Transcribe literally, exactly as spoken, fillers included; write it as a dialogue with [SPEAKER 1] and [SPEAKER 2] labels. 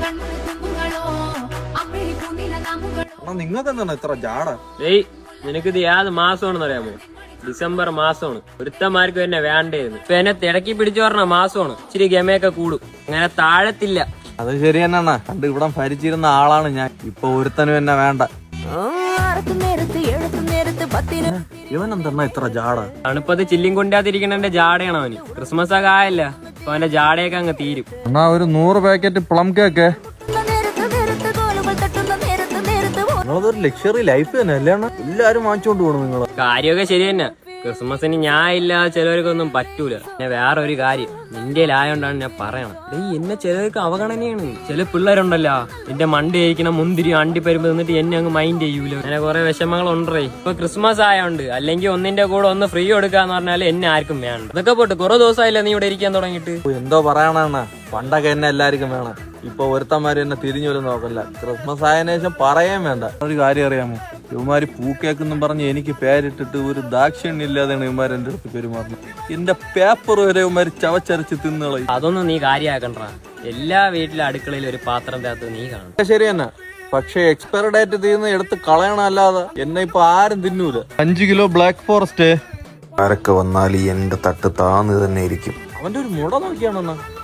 [SPEAKER 1] നിങ്ങൾക്ക് എന്താണ് ഇത്ര ജാട?
[SPEAKER 2] ഏയ് നിനക്കിത് ഏത് മാസമാണെന്ന് അറിയാമോ? ഡിസംബർ മാസമാണ്. ഒരുത്തന്മാർക്ക് എന്നെ വേണ്ടായിരുന്നു. ഇപ്പൊ എന്നെ തിടക്കി പിടിച്ചു പറഞ്ഞ മാസമാണ്. ഇച്ചിരി ഗമയൊക്കെ കൂടും, അങ്ങനെ താഴത്തില്ല.
[SPEAKER 1] അത് ശരി തന്നെയാണ്. കണ്ട് ഇവിടെ ഭരിച്ചിരുന്ന ആളാണ് ഞാൻ. ഇപ്പൊ ഒരുത്തനും എന്നെ വേണ്ട. ഇവൻ എന്തെന്നാ ഇത്ര ജാട?
[SPEAKER 2] തണുപ്പത് ചില്ലിയും കൊണ്ടാതിരിക്കണ ജാടയാണ് അവന്. ക്രിസ്മസ് ഒക്കെ ആയല്ല, അപ്പൊ അവന്റെ ജാടയൊക്കെ അങ്ങ് തീരും.
[SPEAKER 1] എന്നാ ഒരു നൂറ് പാക്കറ്റ് പ്ലം കേക്ക്. നിങ്ങളതൊരു ലക്ഷറി ലൈഫ് തന്നെ അല്ലേ? എല്ലാരും വാങ്ങിച്ചോണ്ട് പോകണം നിങ്ങള്.
[SPEAKER 2] കാര്യമൊക്കെ ശരി തന്നെ. ക്രിസ്മസിന് ഞാൻ ഇല്ലാതെ ചിലവർക്കൊന്നും പറ്റൂല. പിന്നെ വേറെ ഒരു കാര്യം, നിന്റെ ആയോണ്ടാണ് ഞാൻ പറയണം. ഈ എന്നെ ചിലർക്ക് അവഗണനയാണ്. ചില പിള്ളേരുണ്ടല്ലോ, എന്റെ മണ്ടി കഴിക്കണം മുന്തിരി അണ്ടി പരുമ്പ് നിന്നിട്ട് എന്നെ അങ്ങ് മൈൻഡ് ചെയ്യൂല. അങ്ങനെ കുറെ വിഷമങ്ങൾ ഉണ്ടേ. ഇപ്പൊ ക്രിസ്മസ് ആയോണ്ട് അല്ലെങ്കിൽ ഒന്നിന്റെ കൂടെ ഒന്ന് ഫ്രീ കൊടുക്കാന്ന് പറഞ്ഞാല് എന്നെ ആർക്കും വേണ്ട. അതൊക്കെ പോട്ട് കുറെ ദിവസമായില്ല നീ ഇവിടെ ഇരിക്കാൻ തുടങ്ങിയിട്ട്.
[SPEAKER 1] എന്തോ പറയണ, പണ്ടൊക്കെ എന്നെ എല്ലാവർക്കും വേണം. ഇപ്പൊ ഒരുത്തന്മാര് എന്നെ തിരിഞ്ഞു പോലും നോക്കല്ല. ക്രിസ്മസ് ആയതിനു ശേഷം പറയാൻ വേണ്ട. ഒരു കാര്യം അറിയാമോ? ഇവന്മാര് പൂക്കേക്കെന്നും പറഞ്ഞ് എനിക്ക് പേരിട്ടിട്ട് ഒരു ദാക്ഷിണ്യം ഇല്ലാതെയാണ് ഇവന്മാർ എന്റെ അടുത്ത് പെരുമാറുന്നത്. എന്റെ പേപ്പർ വരെ ഇവന്മാര് ചവച്ചരച്ച് തിന്നളയും.
[SPEAKER 2] അതൊന്നും നീ കാര്യമാക്കണ്ട. എല്ലാ വീട്ടിലെ അടുക്കളയിൽ ഒരു പാത്രത്തിനകത്ത് നീ കാണും.
[SPEAKER 1] ശരി തന്നെ, പക്ഷെ എക്സ്പയറി ഡേറ്റ് തീർന്ന് എടുത്ത് കളയണല്ലാതെ എന്നെ ഇപ്പൊ ആരും തിന്നൂല. അഞ്ചു കിലോ ബ്ലാക്ക് ഫോറസ്റ്റ്.
[SPEAKER 3] ആരൊക്കെ വന്നാൽ എന്റെ തട്ട് താന്ന് തന്നെ ഇരിക്കും.
[SPEAKER 1] അവന്റെ ഒരു മുട നോക്കിയാണെന്നാ